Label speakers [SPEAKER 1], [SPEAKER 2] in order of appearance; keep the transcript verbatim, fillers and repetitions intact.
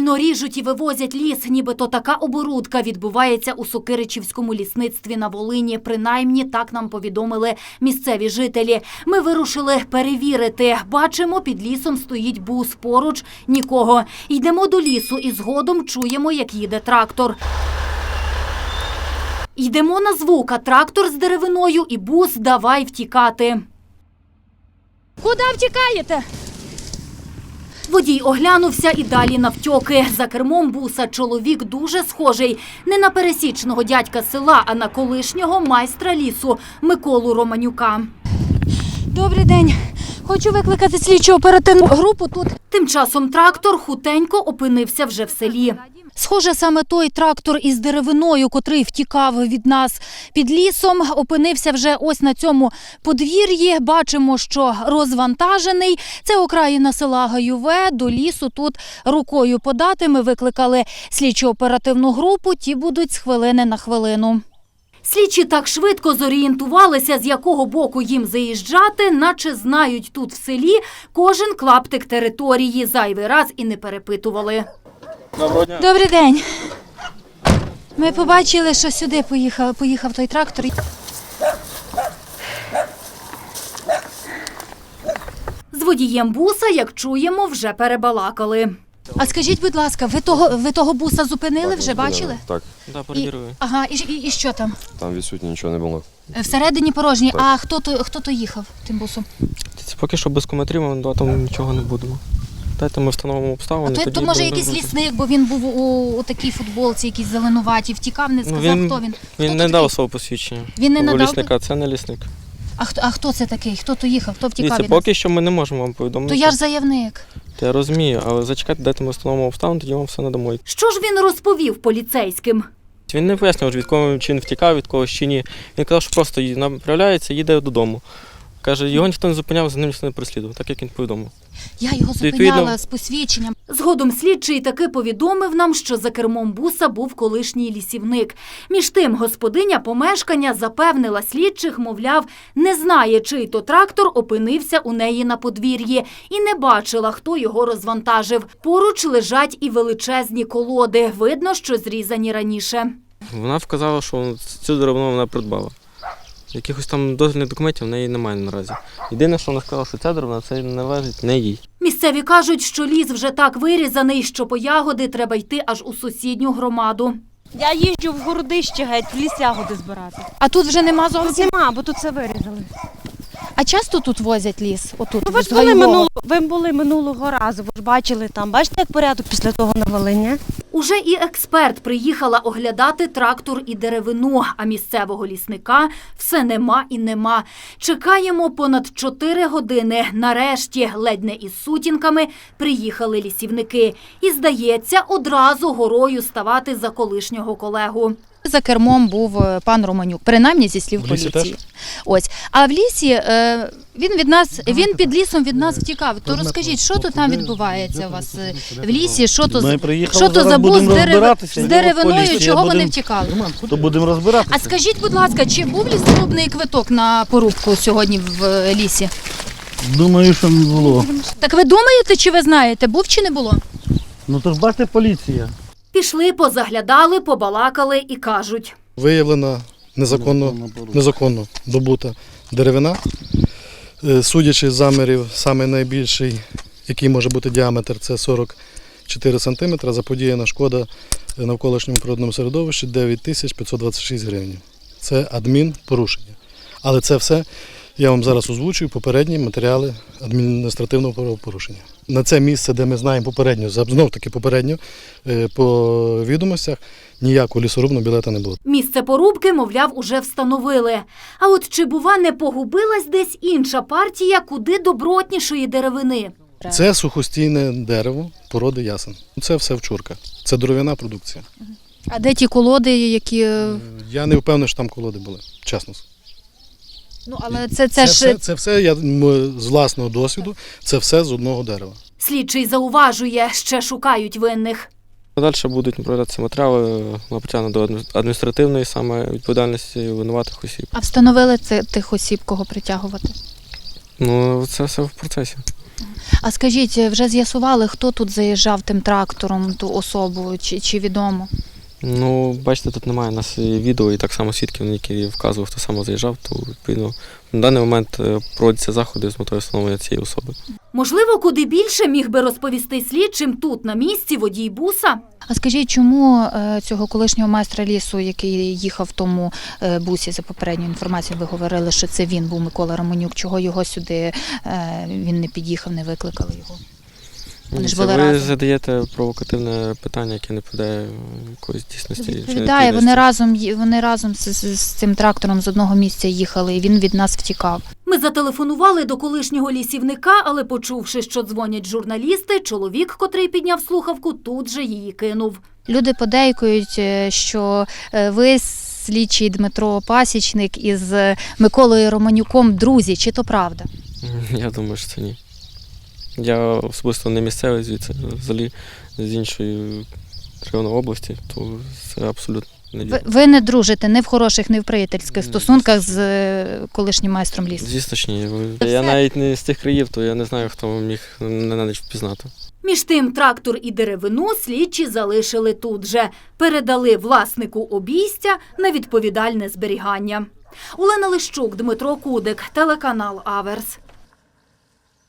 [SPEAKER 1] Повільно ріжуть і вивозять ліс, нібито така оборудка відбувається у Сокиричівському лісництві на Волині. Принаймні, так нам повідомили місцеві жителі. Ми вирушили перевірити. Бачимо, під лісом стоїть бус, поруч – нікого. Йдемо до лісу і згодом чуємо, як їде трактор. Йдемо на звук, а трактор з деревиною і бус давай втікати.
[SPEAKER 2] Куди втікаєте?
[SPEAKER 1] Водій оглянувся і далі навтьоки. За кермом буса чоловік дуже схожий не на пересічного дядька села, а на колишнього майстра лісу Миколу Романюка.
[SPEAKER 2] Добрий день. Хочу викликати слідчо-оперативну групу тут.
[SPEAKER 1] Тим часом трактор хутенько опинився вже в селі.
[SPEAKER 2] Схоже, саме той трактор із деревиною, котрий втікав від нас під лісом, опинився вже ось на цьому подвір'ї. Бачимо, що розвантажений. Це окраїна села Гаюве. До лісу тут рукою подати. Ми викликали слідчо-оперативну групу. Ті будуть з хвилини на хвилину.
[SPEAKER 1] Слідчі так швидко зорієнтувалися, з якого боку їм заїжджати, наче знають тут в селі кожен клаптик території. Зайвий раз і не перепитували.
[SPEAKER 3] Доброго дня.
[SPEAKER 2] Добрий день. Ми побачили, що сюди поїхав, поїхав той трактор.
[SPEAKER 1] З водієм буса, як чуємо, вже перебалакали.
[SPEAKER 2] А скажіть, будь ласка, ви того, ви того буса зупинили,
[SPEAKER 3] Так,
[SPEAKER 2] вже
[SPEAKER 3] зупинили.
[SPEAKER 2] бачили?
[SPEAKER 3] Так,
[SPEAKER 4] Да,
[SPEAKER 2] І,
[SPEAKER 4] перевірую.
[SPEAKER 2] ага, і, і, і що там?
[SPEAKER 3] там відсутні нічого не було.
[SPEAKER 2] Всередині порожній.
[SPEAKER 3] Так.
[SPEAKER 2] А хто то, хто то їхав тим бусом?
[SPEAKER 4] Це поки що без коментарів, ми да, там нічого не будемо. Дайте ми встановимо
[SPEAKER 2] А
[SPEAKER 4] обставини.
[SPEAKER 2] то,
[SPEAKER 4] тоді
[SPEAKER 2] то може
[SPEAKER 4] будемо
[SPEAKER 2] якийсь
[SPEAKER 4] розуміти.
[SPEAKER 2] лісник, бо він був у, у такій футболці, якійсь зеленуваті, втікав, не сказав,
[SPEAKER 4] він,
[SPEAKER 2] хто він.
[SPEAKER 4] Він
[SPEAKER 2] Хто
[SPEAKER 4] не
[SPEAKER 2] то
[SPEAKER 4] дав
[SPEAKER 2] такий?
[SPEAKER 4] свого посвідчення.
[SPEAKER 2] Він не
[SPEAKER 4] У
[SPEAKER 2] надав?
[SPEAKER 4] лісника, це не лісник.
[SPEAKER 2] А хто, а хто це такий? Хто то їхав? Хто втікав
[SPEAKER 4] Дивіться,
[SPEAKER 2] від нас?
[SPEAKER 4] поки що ми не можемо вам повідомити.
[SPEAKER 2] То я ж заявник.
[SPEAKER 4] Я розумію, але зачекайте, дайте ми встановимо обставини, тоді вам все надамо.
[SPEAKER 1] Що ж він розповів поліцейським?
[SPEAKER 4] Він не пояснював, від кого чи він втікав, від когось чи ні. Він казав, що просто ї- направляється, їде додому. Каже, його ніхто не зупиняв, за ним ніхто не переслідував, так як він повідомив.
[SPEAKER 2] Я його
[SPEAKER 4] Відповідно-
[SPEAKER 2] зупиняла з посвідченням.
[SPEAKER 1] Згодом слідчий таки повідомив нам, що за кермом буса був колишній лісівник. Між тим господиня помешкання запевнила слідчих, мовляв, не знає, чий то трактор опинився у неї на подвір'ї і не бачила, хто його розвантажив. Поруч лежать і величезні колоди. Видно, що зрізані раніше.
[SPEAKER 4] Вона вказала, що цю деревину вона придбала. Якихось там дозвільних документів в неї немає наразі. Єдине, що вона сказала, що ця деревина це належить не їй.
[SPEAKER 1] Місцеві кажуть, що ліс вже так вирізаний, що по ягоди треба йти аж у сусідню громаду.
[SPEAKER 5] Я їжджу в городище геть, в ліс ягоди збирати.
[SPEAKER 2] А тут вже нема
[SPEAKER 5] Тут
[SPEAKER 2] зовсім?
[SPEAKER 5] нема, бо тут все вирізали.
[SPEAKER 2] А часто тут возять ліс? Отут,
[SPEAKER 5] Ну, ви
[SPEAKER 2] з
[SPEAKER 5] ж були,
[SPEAKER 2] Гайвого?
[SPEAKER 5] минуло, ви були минулого разу, ви ж бачили там. Бачите, як порядок після того на Волині?
[SPEAKER 1] Уже і експерт приїхала оглядати трактор і деревину, а місцевого лісника все нема і нема. Чекаємо понад чотири години. Нарешті, ледь не із сутінками, приїхали лісівники. І, здається, одразу горою ставати за колишнього колегу.
[SPEAKER 2] За кермом був е, пан Романюк, принаймні зі слів
[SPEAKER 6] В лісі
[SPEAKER 2] поліції. Ось. А в лісі е, він від нас, він під лісом від нас втікав. То розкажіть, що то там відбувається у вас е, в лісі? Що то,
[SPEAKER 6] Ми
[SPEAKER 2] з-
[SPEAKER 6] приїхали,
[SPEAKER 2] що то
[SPEAKER 6] зараз
[SPEAKER 2] за бус з,
[SPEAKER 6] будемо
[SPEAKER 2] дерев...
[SPEAKER 6] розбиратися.
[SPEAKER 2] з деревиною,
[SPEAKER 6] Поліція
[SPEAKER 2] чого вони
[SPEAKER 6] будемо-
[SPEAKER 2] втікали?
[SPEAKER 6] То будемо розбиратися.
[SPEAKER 2] А скажіть, будь ласка, чи був лісорубний квиток на порубку сьогодні в е, лісі?
[SPEAKER 6] Думаю, що не було.
[SPEAKER 2] Так ви думаєте, чи ви знаєте, був чи не було?
[SPEAKER 6] Ну то ж бачите, поліція.
[SPEAKER 1] Пішли, позаглядали, побалакали і кажуть.
[SPEAKER 7] Виявлена незаконно, незаконно добута деревина. Е, Судячи з замірів, саме найбільший, який може бути діаметр, це сорок чотири сантиметри. Заподіяна шкода навколишньому природному середовищі дев'ять тисяч п'ятсот двадцять шість гривень. Це адмінпорушення. Але це все я вам зараз озвучую попередні матеріали адміністративного правопорушення. На це місце, де ми знаємо попередньо, знов-таки попередньо, е, по відомостях, ніякого лісорубного білета не було.
[SPEAKER 1] Місце порубки, мовляв, уже встановили. А от чи, бува, не погубилась десь інша партія куди добротнішої деревини?
[SPEAKER 7] Це сухостійне дерево породи ясен. Це все вчурка. Це дерев'яна продукція.
[SPEAKER 2] А де ті колоди, які... е,
[SPEAKER 7] Я не впевнений, що там колоди були, чесно.
[SPEAKER 2] Ну, але це, це,
[SPEAKER 7] Це,
[SPEAKER 2] ж...
[SPEAKER 7] все, це все, я м, з власного досвіду, це все з одного дерева.
[SPEAKER 1] Слідчий зауважує, ще шукають винних.
[SPEAKER 4] Далі будуть направлятися матеріали на притягнення до адміністративної саме відповідальності винуватих осіб.
[SPEAKER 2] А встановили це тих осіб, кого притягувати?
[SPEAKER 4] Ну, це все в процесі.
[SPEAKER 2] А скажіть, вже з'ясували, хто тут заїжджав тим трактором, ту особу, чи, чи відомо?
[SPEAKER 4] Ну, бачите, тут немає у нас і відео, і так само свідків, які вказував, хто саме заїжджав, то відповідно на даний момент е, проводяться заходи з метою встановлення цієї особи.
[SPEAKER 1] Можливо, куди більше міг би розповісти слідчим тут, на місці, водій буса?
[SPEAKER 2] А скажіть, чому е, цього колишнього майстра лісу, який їхав в тому е, бусі, за попередньою інформацією, ви говорили, що це він був, Микола Романюк, чого його сюди, е, він не під'їхав, не викликали його? Вони ж
[SPEAKER 4] Це
[SPEAKER 2] були
[SPEAKER 4] ви
[SPEAKER 2] разом.
[SPEAKER 4] задаєте провокативне питання, яке не відповідає якоїсь дійсності. чи
[SPEAKER 2] Відповідає, вони
[SPEAKER 4] дійсності.
[SPEAKER 2] разом, ї- вони разом з, з, з цим трактором з одного місця їхали, і він від нас втікав.
[SPEAKER 1] Ми зателефонували до колишнього лісівника, але почувши, що дзвонять журналісти, чоловік, котрий підняв слухавку, тут же її кинув.
[SPEAKER 2] Люди подейкують, е, що е, ви, слідчий Дмитро Пасічник, із е, Миколою Романюком друзі, чи то правда?
[SPEAKER 4] Я думаю, що це ні. Я особисто не місцевий звідси, взагалі з іншої району області, то це абсолютно не
[SPEAKER 2] Ви,
[SPEAKER 4] вірно.
[SPEAKER 2] ви не дружите ні в хороших, ні в приятельських
[SPEAKER 4] Ні,
[SPEAKER 2] стосунках з е, колишнім майстром лісу?
[SPEAKER 4] Звісно ж ні. Ви-
[SPEAKER 2] Це
[SPEAKER 4] Я
[SPEAKER 2] все?
[SPEAKER 4] навіть не з тих країв, то я не знаю, хто міг мене на ніч впізнати.
[SPEAKER 1] Між тим трактор і деревину слідчі залишили тут же. Передали власнику обійстя на відповідальне зберігання. Олена Лищук, Дмитро Кудик, телеканал Аверс.